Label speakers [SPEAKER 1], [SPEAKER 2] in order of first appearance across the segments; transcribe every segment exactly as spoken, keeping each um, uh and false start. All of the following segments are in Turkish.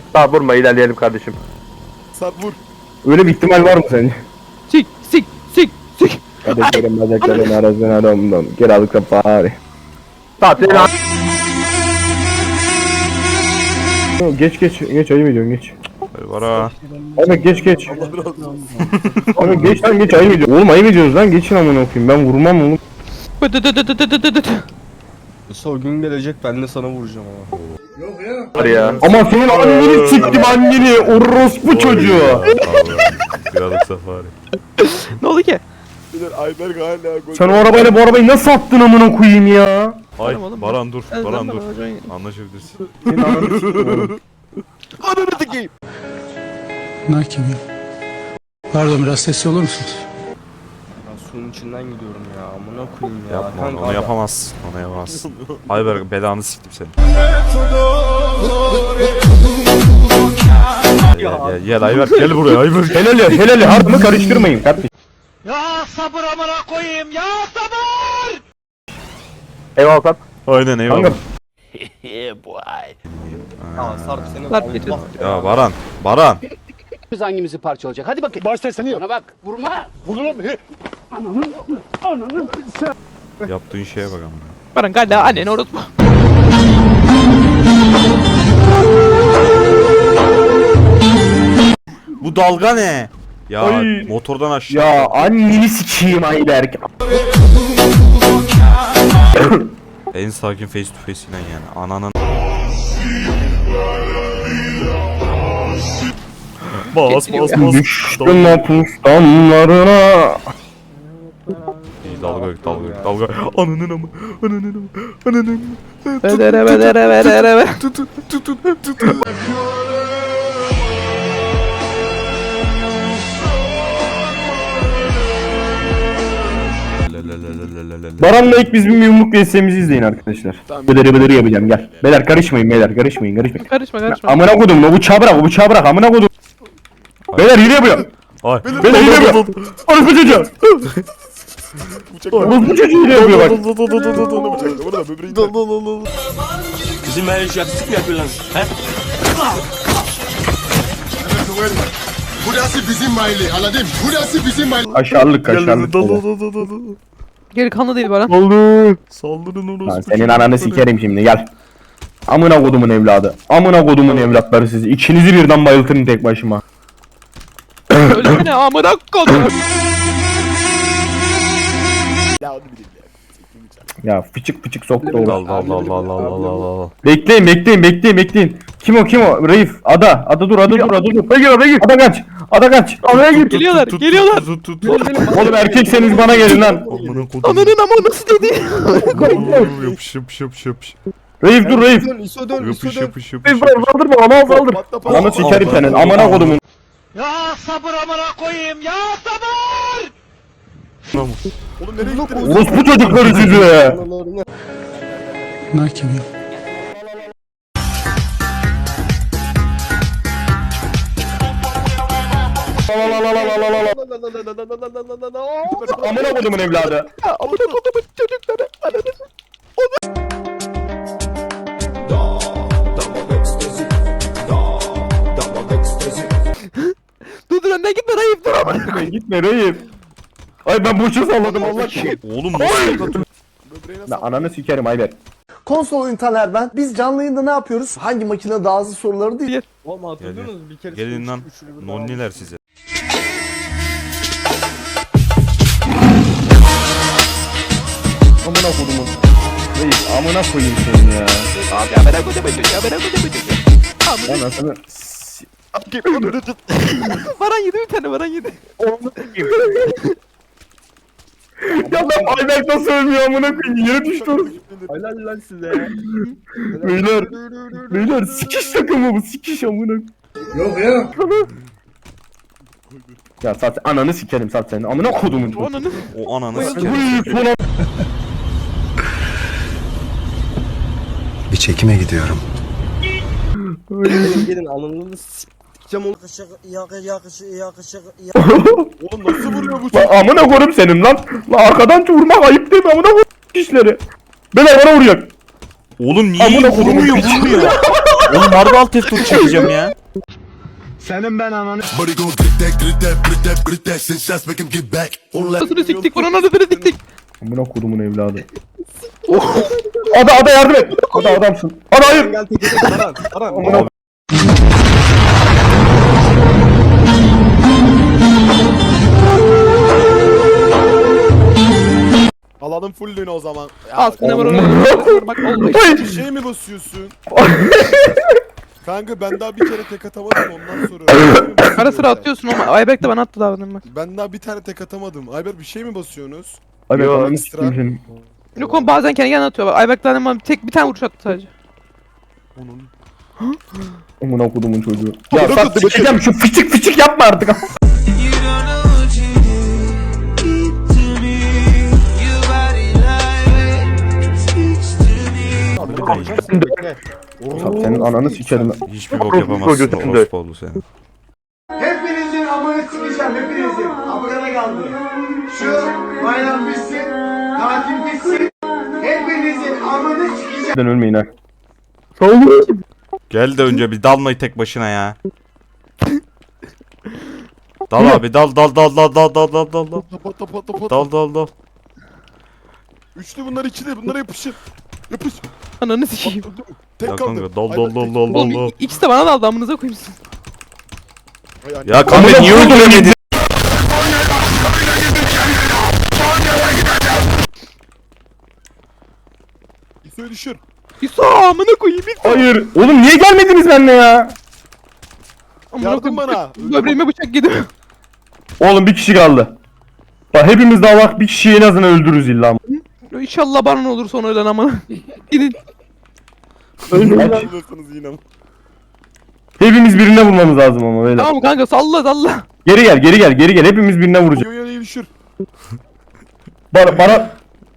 [SPEAKER 1] Tamam vurma, ilerleyelim kardeşim.
[SPEAKER 2] Sarp vur.
[SPEAKER 3] Öyle bir ihtimal var mı sence?
[SPEAKER 4] Sik sik sik sik.
[SPEAKER 3] Kardeşlerim bacaklarım arasına domdom. Gel aldık da bari.
[SPEAKER 1] Tamam senin an...
[SPEAKER 3] Geç geç geç ayıp ediyorsun geç.
[SPEAKER 5] Var ha.
[SPEAKER 3] Ahmet geç geç.
[SPEAKER 2] Allah razı olsun.
[SPEAKER 3] Ahmet geç lan geç ayıp ediyorsun. Oğlum ayıp ediyoruz lan geçin amına okuyayım ben vurmam oğlum.
[SPEAKER 2] Son gün gelecek ben de sana vuracağım ama.
[SPEAKER 1] Var ya.
[SPEAKER 3] Ama senin anneni siktim anneni orospu çocuğu.
[SPEAKER 5] Krallık safari.
[SPEAKER 4] Ne oldu ki?
[SPEAKER 2] Bilir Ayberk hala gol.
[SPEAKER 3] Sen o arabayla bu arabayı nasıl attın amına koyayım ya?
[SPEAKER 5] Ay
[SPEAKER 4] Tamam oğlum,
[SPEAKER 5] Baran dur.
[SPEAKER 4] Ben-
[SPEAKER 5] Baran
[SPEAKER 4] ben-
[SPEAKER 5] dur.
[SPEAKER 4] ben-
[SPEAKER 5] Anlaşabilirsin.
[SPEAKER 3] Senin ananı siktim oğlum.
[SPEAKER 2] Ananı tıkayım.
[SPEAKER 6] Bunlar kim ya? Pardon biraz sesli olur musunuz?
[SPEAKER 2] Ben suyun içinden gidiyorum ya. Amına koyayım ya.
[SPEAKER 5] Yapma onu,
[SPEAKER 2] Kanka,
[SPEAKER 5] onu yapamazsın. Onu yapamazsın. Ayberk belanı siktim seni. Gel gel gel Ayberk gel buraya Ayberk.
[SPEAKER 3] Helal helal harbi karıştırmayın kardeşim.
[SPEAKER 1] Eyvallah Sarp.
[SPEAKER 5] Aynen eyvallah.
[SPEAKER 3] Kanka
[SPEAKER 2] Aa, Sarp senin
[SPEAKER 4] Sarp getir.
[SPEAKER 2] Allah.
[SPEAKER 5] Ya Baran. Baran.
[SPEAKER 7] Biz hangimizi parçalayacak? Hadi bakayım. Başta seni yap. Bana bak. Vurma.
[SPEAKER 5] Yaptığın şeye bak ama.
[SPEAKER 4] Baran galiba annen unutma.
[SPEAKER 5] Bu dalga ne? Ya
[SPEAKER 3] Ay.
[SPEAKER 5] motordan aşağı.
[SPEAKER 3] ya anneni sikeyim Ayberk.
[SPEAKER 5] En sakin face to face ile yani. Ananın. Bas bas bas.
[SPEAKER 3] Düştüm mapustanlarına.
[SPEAKER 5] İyi, dalga yok dalga yok dalga. Ananın amı. Ananın amı. Ananın amı.
[SPEAKER 4] Bedere bedere bedere be.
[SPEAKER 5] Tut tut tut tut tut tut.
[SPEAKER 3] Baran'la ilk biz bir yumruk vs'mizi izleyin arkadaşlar. Bıdırı bıdırı yapacağım gel. Beyler karışmayın beyler karışmayın karışmayın.
[SPEAKER 4] Karışma karışma.
[SPEAKER 3] Amına kodum o bıçağı bırak o bıçağı bırak amına kodum. Beyler hile yapıyor.
[SPEAKER 5] Ay.
[SPEAKER 3] Beyler hile yapıyor. Orospu çocuğu. Orospu çocuğu hile yapıyor bak.
[SPEAKER 2] Burada böbreği.
[SPEAKER 7] Bizim her iş yakışık mı yapıyorlar? He?
[SPEAKER 8] Burası bizim mahalle anladın? Burası bizim mahalle.
[SPEAKER 3] Kaşarlık kaşarlık.
[SPEAKER 4] Geri kanlı değil Baran.
[SPEAKER 3] Oldu.
[SPEAKER 5] Saldırın
[SPEAKER 3] Lan
[SPEAKER 5] orospu.
[SPEAKER 3] senin ananı sikerim şimdi gel. Amına kodumun evladı. Amına kodumun evlatları siz. İkinizi birden bayıltırım tek başıma.
[SPEAKER 4] Öyle ne amına kodum.
[SPEAKER 2] Ya onu bileyim ya.
[SPEAKER 3] Ya fıçık fıçık soktu
[SPEAKER 5] Allah
[SPEAKER 3] oğlum.
[SPEAKER 5] Allah Allah Allah Allah Allah Allah.
[SPEAKER 3] Bekleyin bekleyin bekleyin bekleyin. Kim o kim o? Reif. Ada. Ada dur ada dur ada dur. Ada gir ada gir. Ada kaç. Ada kaç. Adaya gir.
[SPEAKER 4] Geliyorlar geliyorlar.
[SPEAKER 5] Tut tut tut.
[SPEAKER 3] Oğlum erkekseniz bana gelin lan.
[SPEAKER 5] Amına kodum.
[SPEAKER 4] Ananın ama nasıl dedi?
[SPEAKER 5] Yapış yapış yapış yapış.
[SPEAKER 3] Reif dur Reif.
[SPEAKER 2] Dön, İso dön, İso
[SPEAKER 5] Yapış
[SPEAKER 2] dön.
[SPEAKER 5] yapış yapış.
[SPEAKER 3] Reif bırak saldırma ana saldır.
[SPEAKER 2] Patla, patla.
[SPEAKER 3] Ananı sikerim senin. Amına kodumun.
[SPEAKER 2] Oğlum nereye gittin?
[SPEAKER 3] Orospu çocukları sizi.
[SPEAKER 6] Bunlar kim ya?
[SPEAKER 3] Amına kodumun evladı.
[SPEAKER 4] Amına kodumun çocukları. Ananı. Dur dur önden gitme Raif dur ama.
[SPEAKER 3] Gitme gitme Reif. Ay ben boşa salladım Allah aşkına.
[SPEAKER 5] Oğlum nasıl?
[SPEAKER 2] Böbreğine
[SPEAKER 3] Ben ananı sikerim Ayber.
[SPEAKER 9] Konsol oyuntaner ben. Biz canlı yayında ne yapıyoruz? Hangi makine daha hızlı soruları değil.
[SPEAKER 2] Oğlum hatırlıyor musunuz? Bir kere
[SPEAKER 5] Gelin lan.
[SPEAKER 2] üçlü bir
[SPEAKER 5] Nonniler size.
[SPEAKER 3] Amına kodumun. Reif amına koyayım seni ya.
[SPEAKER 4] Abi amına kodumun çocuğu amına kodumun çocuğu.
[SPEAKER 3] Ben aslında
[SPEAKER 4] Baran yedi bir tane Baran yedi.
[SPEAKER 3] ya ben Ayberk nasıl ölmüyor amına koyayım yere düştü orası.
[SPEAKER 2] Helal lan size.
[SPEAKER 3] Beyler beyler sikiş takımı bu sikiş amına.
[SPEAKER 8] Yok ya.
[SPEAKER 3] Ya sat ananı sikerim sat senin amına kodumun.
[SPEAKER 4] Ananı.
[SPEAKER 5] O ananı sikerim.
[SPEAKER 3] Uy sonra
[SPEAKER 8] Bir çekime gidiyorum.
[SPEAKER 2] Gelin ananı s**eceğim oğlum.
[SPEAKER 8] Yakışık yakışık yakışık.
[SPEAKER 2] Oğlum nasıl vuruyor bu
[SPEAKER 3] lan
[SPEAKER 2] çocuk?
[SPEAKER 3] amına koyayım senin lan. Lan arkadan vurmak ayıp değil mi amına koyayım işleri. Beyler bana vuracak.
[SPEAKER 5] Oğlum niye
[SPEAKER 3] Amına kodumun
[SPEAKER 5] vurmuyor
[SPEAKER 3] piçi.
[SPEAKER 5] vurmuyor. Oğlum harbi alt F dört çekeceğim ya.
[SPEAKER 9] Senin ben ananı.
[SPEAKER 8] Buddy gon' get that, get that, get that, get that, send shots, make him get back. On that.
[SPEAKER 4] Anasını siktik buranın anasını siktik.
[SPEAKER 3] Amına kodumun evladı. Ada ada yardım et. Ada adamsın. Ada hayır.
[SPEAKER 2] Gel teke tek Baran. Baran.
[SPEAKER 3] Amına
[SPEAKER 10] Alalım fullünü o zaman. Ya,
[SPEAKER 4] Aslında buranın bak oldu.
[SPEAKER 10] bir şey mi basıyorsun? Kanka ben daha bir kere tek atamadım ondan sonra.
[SPEAKER 4] Ara sıra atıyorsun ama Ayberk de bana attı davranın bak.
[SPEAKER 10] Ben daha bir tane tek atamadım. Ayber bir şey mi basıyorsunuz?
[SPEAKER 3] Abi
[SPEAKER 1] Yo,
[SPEAKER 3] ananı
[SPEAKER 10] ekstra.
[SPEAKER 3] sikeyim senin.
[SPEAKER 4] Yok oğlum bazen kendi kendine atıyor. Bak Ayberk de bana tek bir tane vuruş attı sadece.
[SPEAKER 10] Onun.
[SPEAKER 3] Amına kodumun çocuğu. Ya sat sikeceğim şu fıçık fıçık yapma artık. Sat senin ananı sikerim.
[SPEAKER 5] Hiçbir bok yapamazsın orospu oldu senin.
[SPEAKER 9] Hepinizin amını sikeceğim hepinizin. Amına kaldı. Şu bayram bitsin. Tatil bitsin. Hepinizin amını sikeceğim.
[SPEAKER 3] Ben ölmeyin ha.
[SPEAKER 5] Gel de önce bir dalmayı tek başına ya. Dal abi dal dal dal dal dal dal dal dal dal.
[SPEAKER 10] Pat pat pat pat.
[SPEAKER 5] Dal dal dal.
[SPEAKER 10] Üçlü bunlar ikili bunlara yapışın. Yapış.
[SPEAKER 4] Ananı sikeyim.
[SPEAKER 10] Tek
[SPEAKER 5] Ya
[SPEAKER 10] kaldı.
[SPEAKER 5] kanka dal
[SPEAKER 10] Ayber
[SPEAKER 5] dal
[SPEAKER 10] tek.
[SPEAKER 5] dal dal dal
[SPEAKER 4] Oğlum
[SPEAKER 5] dal.
[SPEAKER 4] i- ikisi de bana da aldı amınıza koymuşsun.
[SPEAKER 10] Ay, anne.
[SPEAKER 5] Ya kanka niye öldüremedin?
[SPEAKER 10] İso'yu düşür.
[SPEAKER 4] İso amına koyayım İso.
[SPEAKER 3] Hayır. Oğlum niye gelmediniz benimle ya?
[SPEAKER 4] Amına
[SPEAKER 10] Yardım
[SPEAKER 4] koyayım.
[SPEAKER 10] bana.
[SPEAKER 4] Böbreğime bıçak gidiyor.
[SPEAKER 3] Oğlum bir kişi kaldı. Bak hepimiz daha bak bir kişiyi en azından öldürürüz illa.
[SPEAKER 4] İnşallah bana olur sonra ölen amına. Gidin.
[SPEAKER 10] Öldürürsünüz yine.
[SPEAKER 3] Hepimiz birine vurmamız lazım ama böyle.
[SPEAKER 4] Tamam kanka salla salla.
[SPEAKER 3] Geri gel geri gel geri gel hepimiz birine vuracağız.
[SPEAKER 10] Yo yo düşür.
[SPEAKER 3] Bana bana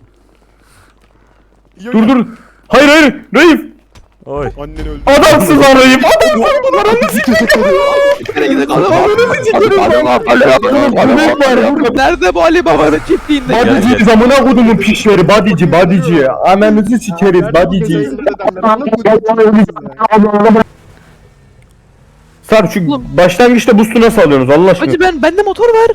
[SPEAKER 10] Yo,
[SPEAKER 3] dur
[SPEAKER 10] yo.
[SPEAKER 3] dur. Hayır hayır Raif.
[SPEAKER 5] Oy.
[SPEAKER 10] Annen öldü.
[SPEAKER 3] Adamsın lan Raif. Adamsın lan ananı sikeyim.
[SPEAKER 4] Nerede bu Ali Baba'nın çiftliğinde?
[SPEAKER 3] Badici zamına kodumun pişleri badici badici. Ananızı sikeriz badici. Sarp şu başlangıçta boost'u nasıl alıyorsunuz Allah aşkına?
[SPEAKER 4] Hacı ben bende motor var.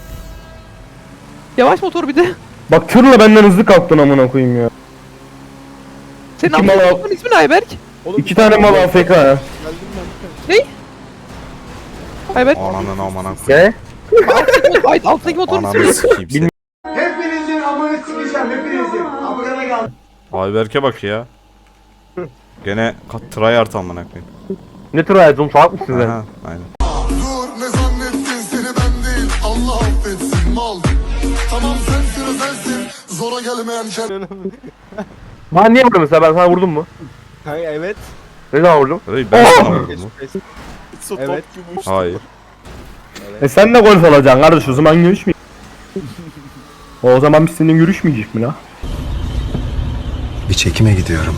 [SPEAKER 4] Yavaş motor bir de.
[SPEAKER 3] Bak tırla benden hızlı kalktın amına koyayım ya.
[SPEAKER 4] Senin
[SPEAKER 3] İki mal al.
[SPEAKER 4] motorun ismi ne Ayberk?
[SPEAKER 10] Oğlum,
[SPEAKER 3] İki tane mal A F K ya.
[SPEAKER 10] Geldim ben.
[SPEAKER 4] Ayberk.
[SPEAKER 5] Ananın amana koyayım.
[SPEAKER 1] Ne?
[SPEAKER 4] Ay alttaki motorun ismi ne?
[SPEAKER 5] Ananı sikeyim seni.
[SPEAKER 9] Hepinizin amını sikeceğim hepinizin. Amına kaldı.
[SPEAKER 5] Ayberk'e bak ya. Gene kat- tryhard amına koyayım.
[SPEAKER 1] Ne tür hayatım salak mısın sen?
[SPEAKER 5] Aha, aynen.
[SPEAKER 8] Dur ne zannettin seni ben değil. Allah affetsin mal. Tamam sensin o sensin. Zora gelmeyen şer.
[SPEAKER 1] Bana niye vurdun mesela ben sana vurdum mu?
[SPEAKER 2] Kanka evet.
[SPEAKER 1] Ne zaman vurdum?
[SPEAKER 5] Hey, ben sana vurdum.
[SPEAKER 2] Geç, geç.
[SPEAKER 10] İso
[SPEAKER 2] Evet.
[SPEAKER 10] top gibi uçtu.
[SPEAKER 5] Hayır.
[SPEAKER 3] E sen de golf alacaksın kardeş o zaman görüşmeyecek. O zaman biz seninle görüşmeyecek mi la?
[SPEAKER 8] Bir çekime gidiyorum.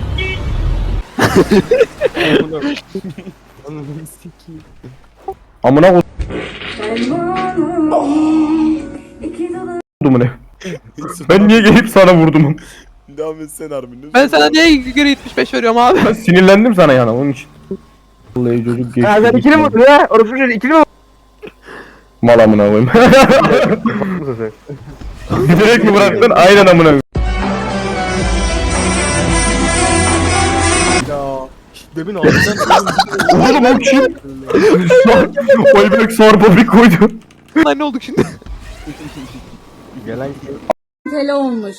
[SPEAKER 2] Ananı sikeyim.
[SPEAKER 3] Amına kodumu ne? Ben niye gelip sana vurdum?
[SPEAKER 10] Devam etsene Armin.
[SPEAKER 4] Ben sana niye geri yetmiş beş veriyorum abi?
[SPEAKER 3] Ben sinirlendim sana yana onun için. Vallahi çocuk geçti.
[SPEAKER 1] Ya sen ikili mi vurdun ya? Orası çocuğu ikili mi vurdun?
[SPEAKER 3] Mal amına koyayım.
[SPEAKER 1] Mısın sen?
[SPEAKER 3] Direkt mi bıraktın? Aynen amına koyayım.
[SPEAKER 2] Ya. Demin ağzından
[SPEAKER 3] Oğlum o kim? Oy bebek sarpa bir koydu.
[SPEAKER 4] Lan ne olduk şimdi?
[SPEAKER 2] gelen
[SPEAKER 11] Tele olmuş.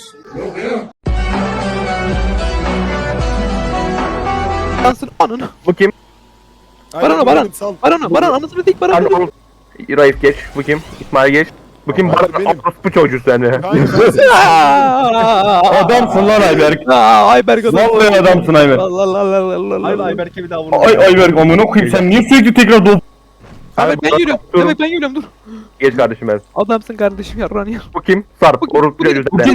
[SPEAKER 4] Yansın ananı.
[SPEAKER 1] Bu kim?
[SPEAKER 4] Baran Baran. Baran Baran anasını dik Baran.
[SPEAKER 1] Hadi oğlum. Raif geç. Bu kim? İsmail geç. Bu kim?
[SPEAKER 10] Abi
[SPEAKER 1] Baran.
[SPEAKER 10] benim.
[SPEAKER 1] Bu çocuğu seni.
[SPEAKER 3] Adamsın lan Ayberk.
[SPEAKER 4] Aa, Ayberk adam.
[SPEAKER 3] Vallahi adamsın Ayberk.
[SPEAKER 4] Allah Allah Allah Allah
[SPEAKER 2] Ay
[SPEAKER 4] Allah.
[SPEAKER 2] Ayberk'e bir daha vurma.
[SPEAKER 3] Ay Ayberk amına koyayım sen niye sürekli tekrar dol...
[SPEAKER 4] Ayberk ben yürüyorum. Demek ben yürüyorum dur.
[SPEAKER 1] Geç kardeşim ben.
[SPEAKER 4] Adamsın kardeşim yarran ya.
[SPEAKER 1] Bu kim? Sarp.
[SPEAKER 4] Bu-
[SPEAKER 1] Orası
[SPEAKER 4] bu-
[SPEAKER 1] çocuğu
[SPEAKER 3] Bu
[SPEAKER 1] seni.
[SPEAKER 3] kim?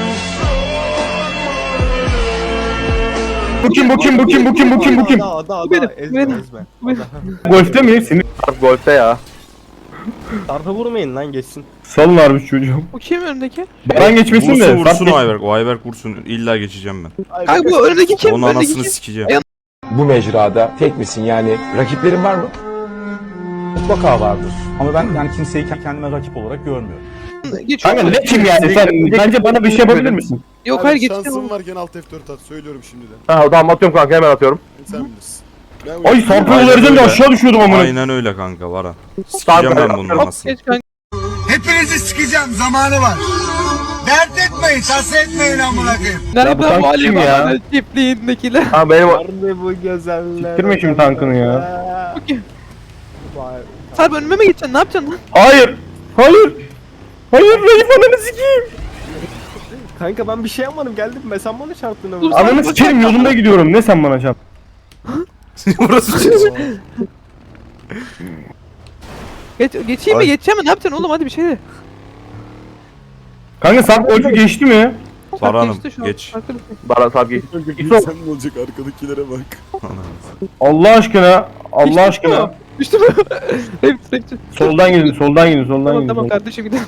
[SPEAKER 3] Bu kim bu kim bu kim bu kim bu kim bu kim?
[SPEAKER 2] Ada ada ada.
[SPEAKER 4] benim,
[SPEAKER 2] Ezme
[SPEAKER 4] benim.
[SPEAKER 2] ezme.
[SPEAKER 4] Benim.
[SPEAKER 3] Golfte mi? Seni
[SPEAKER 1] Sarp golfte ya.
[SPEAKER 2] Tarfa vurmayın lan geçsin.
[SPEAKER 3] salın harbi çocuğum.
[SPEAKER 4] Bu kim önündeki?
[SPEAKER 3] Baran geçmesin
[SPEAKER 5] Vursun
[SPEAKER 3] de.
[SPEAKER 5] vursun
[SPEAKER 3] Sarp
[SPEAKER 5] o Ayberk. O Ayberk vursun. İlla geçeceğim ben.
[SPEAKER 4] Kanka bu önündeki kim?
[SPEAKER 5] Onun
[SPEAKER 4] Önündeki
[SPEAKER 5] anasını
[SPEAKER 4] kim?
[SPEAKER 5] sikeceğim.
[SPEAKER 4] Ay-
[SPEAKER 7] bu mecrada tek misin yani? Rakiplerin var mı?
[SPEAKER 6] Mutlaka vardır. Ama ben yani kimseyi kendime rakip olarak görmüyorum.
[SPEAKER 4] Geçiyor.
[SPEAKER 3] Kanka ne kim yani sen bence bana bir şey yapabilir misin?
[SPEAKER 4] Yok
[SPEAKER 10] Abi
[SPEAKER 4] hayır geçiyor.
[SPEAKER 10] şansın varken alt F dört at. Söylüyorum şimdiden.
[SPEAKER 1] Ha tamam atıyorum kanka hemen atıyorum.
[SPEAKER 10] Sen bilirsin. Ben
[SPEAKER 3] Ay Sarp'ı
[SPEAKER 5] Aynen
[SPEAKER 3] vereceğim de
[SPEAKER 5] öyle.
[SPEAKER 3] aşağı düşüyordum amına.
[SPEAKER 5] Aynen öyle kanka Baran. Sikeceğim ben bunun
[SPEAKER 4] Hop
[SPEAKER 5] anasını.
[SPEAKER 4] geç kanka.
[SPEAKER 8] Hepinizi sikeceğim, zamanı var. Dert etmeyin, tasa etmeyin amına koyayım.
[SPEAKER 3] Ya bu
[SPEAKER 4] Nerede
[SPEAKER 3] tank
[SPEAKER 4] bu Ali
[SPEAKER 3] kim ya?
[SPEAKER 4] Babalar çiftliğindekiler?
[SPEAKER 1] Ha benim
[SPEAKER 2] Nerede bu güzeller?
[SPEAKER 3] Siktirme şimdi tankını ya.
[SPEAKER 4] Sarp önüme mi geçeceksin? Ne yapacaksın lan?
[SPEAKER 3] Hayır. Hayır. Hayır Raif ananı sikeyim.
[SPEAKER 2] Kanka ben bir şey yapmadım geldim ben sen bana çarptın ama.
[SPEAKER 4] Dur,
[SPEAKER 3] Ananı sikerim yolunda gidiyorum. Ne sen bana çarp?
[SPEAKER 5] Burası çocuk.
[SPEAKER 4] Geç, geçeyim mi?
[SPEAKER 5] Ay.
[SPEAKER 4] Geçeceğim mi? Ne yapacaksın oğlum? Hadi bir şey de.
[SPEAKER 3] Kanka Sarp golfü geçti mi?
[SPEAKER 4] Sarp
[SPEAKER 5] Baran'ım
[SPEAKER 4] geçti şu an.
[SPEAKER 5] geç.
[SPEAKER 4] Farklı bir şey.
[SPEAKER 1] Baran Sarp geç.
[SPEAKER 10] Kanka sen ne olacak arkadakilere bak.
[SPEAKER 3] Allah aşkına. Allah
[SPEAKER 4] Geçti
[SPEAKER 3] aşkına.
[SPEAKER 4] mi? Düştü mü? Hep sürekli.
[SPEAKER 3] Soldan gidin, soldan gidin, soldan
[SPEAKER 4] Tamam
[SPEAKER 3] gidin.
[SPEAKER 4] tamam kardeşim gidelim.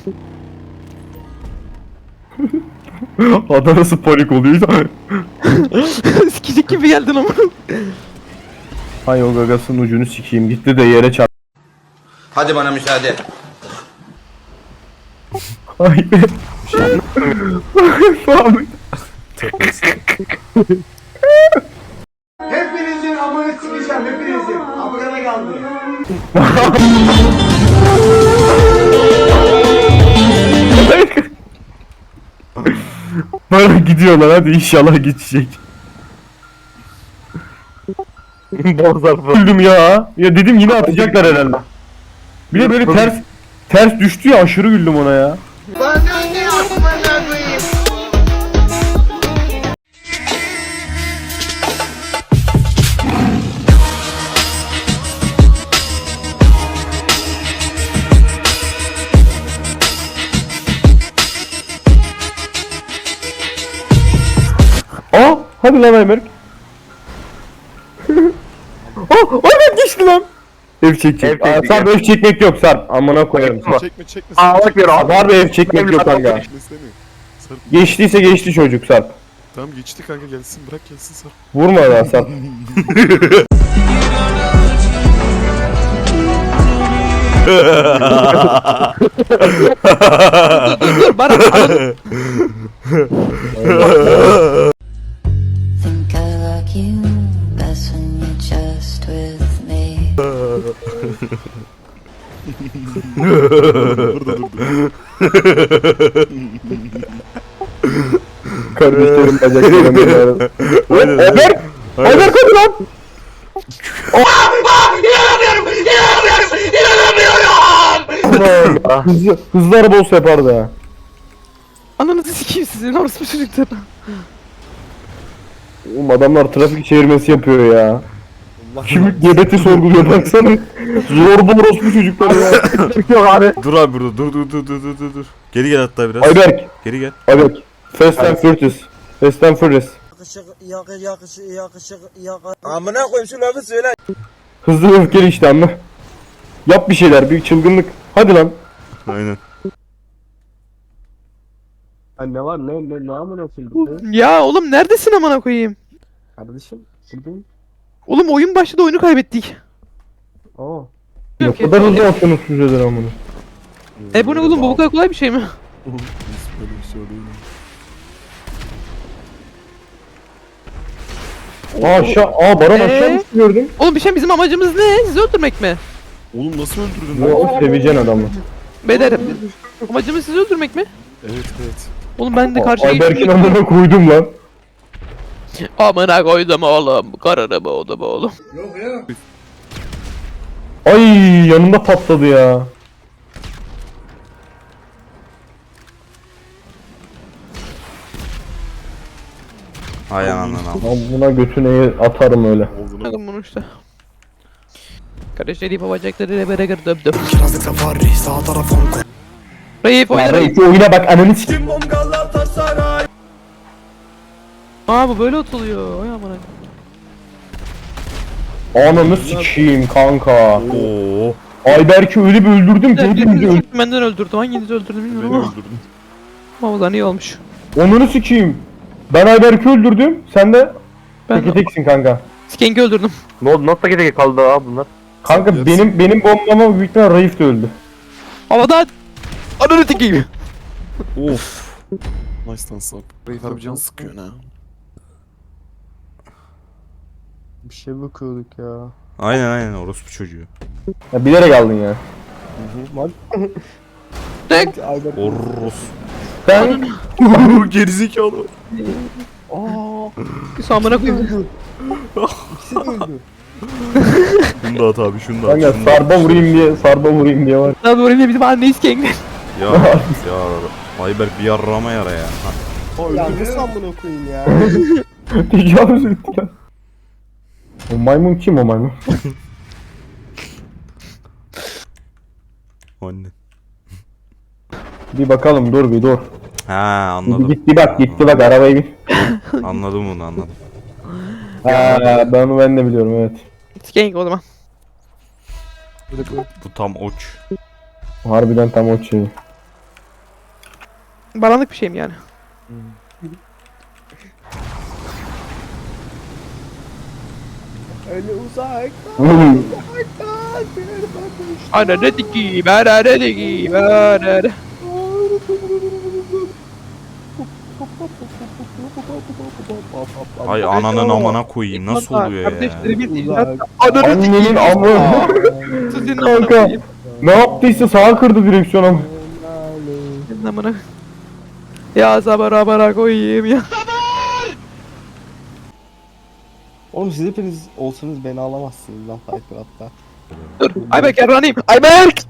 [SPEAKER 3] Ada nasıl panik oluyor?
[SPEAKER 4] Sikicik gibi geldin ama.
[SPEAKER 3] Hay o gagasının ucunu sikeyim. Gitti de yere çarp.
[SPEAKER 7] Hadi bana müsaade.
[SPEAKER 3] Ay be. Abi.
[SPEAKER 8] Hepinizin amını sikeceğim, hepinizin. Amına kaldı.
[SPEAKER 3] Bana gidiyorlar hadi inşallah geçecek.
[SPEAKER 1] Bol zarfı.
[SPEAKER 3] Öldüm ya. Ya dedim yine atacaklar herhalde. Bir de böyle ters ters düştü ya aşırı güldüm ona ya. Aa, hadi lan Ayberk. Aa, Ayberk geçti lan. Ev çekecek.
[SPEAKER 1] Ev
[SPEAKER 3] Aa,
[SPEAKER 1] çekecek,
[SPEAKER 3] Sarp
[SPEAKER 1] ev.
[SPEAKER 3] ev çekmek yok Sarp. Amına koyarım.
[SPEAKER 1] Çekme.
[SPEAKER 10] Çekme çekme.
[SPEAKER 1] Aa bak bir
[SPEAKER 3] Sarp harbi ev çekmek yok kanka.
[SPEAKER 10] Çekme istemiyorum. Sarp
[SPEAKER 3] Geçtiyse geçti çocuk Sarp.
[SPEAKER 10] tamam geçti kanka gelsin bırak gelsin Sarp.
[SPEAKER 3] Vurma lan Sarp.
[SPEAKER 4] Dur dur Baran. Ananı-
[SPEAKER 11] Think I like you best when you're just with me.
[SPEAKER 10] Dur dur dur.
[SPEAKER 3] Kardeşlerim bacaklarım benim. Ayberk! Ayberk hadi lan! Hızlı, hızlı araba olsa yapardı ha.
[SPEAKER 4] Ananızı sikeyim sizin orospu çocuklar.
[SPEAKER 3] Oğlum adamlar trafik çevirmesi yapıyor ya. Kimlik gebeti sorguluyor baksana. Zorba orospu çocuklar ya. Çıkıyor abi.
[SPEAKER 5] Dur abi burada dur dur dur dur dur dur dur. Geri gel hatta biraz.
[SPEAKER 3] Ayberk.
[SPEAKER 5] Geri gel.
[SPEAKER 3] Ayberk. Fast and Furious. Fast and Furious.
[SPEAKER 7] Amına koyayım şu lafı söyle.
[SPEAKER 3] Hızlı ve öfkeli işte anla. Yap bir şeyler, bir çılgınlık. Hadi lan.
[SPEAKER 5] Aynen.
[SPEAKER 2] Ha, ne var ne ne ne amına koyayım?
[SPEAKER 4] Ya oğlum neredesin amına koyayım?
[SPEAKER 2] Kardeşim buradayım.
[SPEAKER 4] Oğlum oyun başladı oyunu kaybettik.
[SPEAKER 2] Oo.
[SPEAKER 3] Ne
[SPEAKER 4] Yok,
[SPEAKER 3] kadar hızlı atıyorsunuz füzeler amına.
[SPEAKER 4] E bu ne oğlum bu bu kadar kolay bir şey mi?
[SPEAKER 10] Biz böyle bir şey değil.
[SPEAKER 3] Aa aşağı, aa Baran aşağı
[SPEAKER 4] Ee?
[SPEAKER 3] düştü gördüm.
[SPEAKER 4] Oğlum bir şey bizim amacımız ne? Sizi öldürmek mi?
[SPEAKER 10] Oğlum nasıl öldürdün lan?
[SPEAKER 3] O sevecen adamı.
[SPEAKER 4] Beyler amacımız sizi öldürmek mi?
[SPEAKER 10] Evet evet.
[SPEAKER 4] Oğlum ben de karşıya
[SPEAKER 3] Ayberk'in amına koydum lan.
[SPEAKER 4] Amına koydum oğlum. Kararım oğlum oğlum.
[SPEAKER 3] Ay yanımda patladı ya.
[SPEAKER 5] Hay ananı.
[SPEAKER 3] Lan buna götüne atarım öyle.
[SPEAKER 10] Oldu lan.
[SPEAKER 4] Bakın bunu işte. Kardeşleri bacaklarıyla beraber döndüm. Raif
[SPEAKER 3] Ya
[SPEAKER 4] oyna Raif.
[SPEAKER 3] Reis oyuna bak ananı s***.
[SPEAKER 4] Aa bu böyle atılıyor. Ay amına.
[SPEAKER 3] Ananı sikeyim kanka.
[SPEAKER 5] Oo.
[SPEAKER 3] Ayberk'i öyle bir öldürdüm ki hepimizi
[SPEAKER 4] Birinizi
[SPEAKER 3] öldürdüm.
[SPEAKER 4] benden öldürdü. Hanginizi öldürdü bilmiyorum
[SPEAKER 10] Beni
[SPEAKER 4] ama.
[SPEAKER 10] öldürdün.
[SPEAKER 4] Ama o da iyi olmuş.
[SPEAKER 3] Onunu sikeyim. Ben Ayberk'i öldürdüm. Sen de
[SPEAKER 4] Ben
[SPEAKER 3] teke teksin kanka.
[SPEAKER 4] Skenk'i öldürdüm.
[SPEAKER 1] Ne oldu? Nasıl geri kaldı abi bunlar?
[SPEAKER 3] Kanka benim benim bombama büyük ihtimal Raif de öldü.
[SPEAKER 4] Havadan. Ananı tekeyim.
[SPEAKER 10] Of. Nice lan sap. Reif abi can sıkıyor ne?
[SPEAKER 2] Bir şey bakıyorduk ya.
[SPEAKER 5] Aynen aynen orospu çocuğu.
[SPEAKER 3] Ya bilerek aldın ya.
[SPEAKER 4] Tek.
[SPEAKER 5] Oros.
[SPEAKER 3] Sen
[SPEAKER 5] Gerizekalı.
[SPEAKER 4] Bir amına koyayım.
[SPEAKER 5] Şunu da at abi şunu da at.
[SPEAKER 3] kanka
[SPEAKER 5] şunu da at.
[SPEAKER 3] sarba vurayım diye sarba vurayım diye var.
[SPEAKER 4] Lan oraya bizim anneyi Skenk.
[SPEAKER 5] Ya ya Ayberk bir yarrama yara ya. Ha.
[SPEAKER 2] Ya nasıl amına koyayım ya?
[SPEAKER 3] Tecavüz etti ya. O maymun kim o maymun?
[SPEAKER 5] Anne.
[SPEAKER 3] Bir bakalım dur bir dur.
[SPEAKER 5] Ha
[SPEAKER 3] Bir
[SPEAKER 5] anladım.
[SPEAKER 3] gitti bak gitti bak arabaya bin.
[SPEAKER 5] Anladım onu anladım.
[SPEAKER 3] Ha ben onu ben de biliyorum evet.
[SPEAKER 4] Skenk o zaman.
[SPEAKER 5] Bu tam oç.
[SPEAKER 3] Harbiden tam o şey.
[SPEAKER 4] Baranlık bir şey mi yani?
[SPEAKER 2] Öyle uzak.
[SPEAKER 4] Ananı tekeyim. Ananı tekeyim. Ananı.
[SPEAKER 5] Ay ananın amına koyayım nasıl oluyor ya?
[SPEAKER 4] Kardeşlerimin
[SPEAKER 2] Uzak.
[SPEAKER 4] Ananı
[SPEAKER 3] Annenin amı.
[SPEAKER 4] Sizin amına
[SPEAKER 3] Kanka.
[SPEAKER 4] koyayım.
[SPEAKER 3] Ne yaptıysa sağa kırdı direksiyonu.
[SPEAKER 4] Sizin amına. Ya sabara bara koyayım ya.
[SPEAKER 2] Oğlum siz hepiniz olsanız beni alamazsınız lan Piper hatta.
[SPEAKER 4] Dur. Ayberk yarranayım. Ayberk.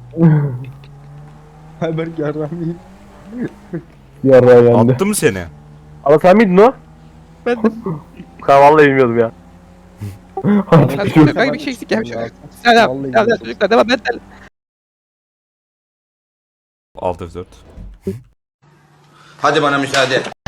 [SPEAKER 2] Ayberk yarramayayım.
[SPEAKER 3] Yarra yendi.
[SPEAKER 5] Attı mı seni?
[SPEAKER 1] Ama sen miydin o?
[SPEAKER 4] Ben de.
[SPEAKER 1] Ben vallahi bilmiyordum ya.
[SPEAKER 3] Artık şu-
[SPEAKER 4] Kanka bir şey eksik ya. Selam.
[SPEAKER 2] Vallahi
[SPEAKER 4] Selam çocuklar. Devam et.
[SPEAKER 5] Alt F dört.
[SPEAKER 7] Hadi bana müsaade.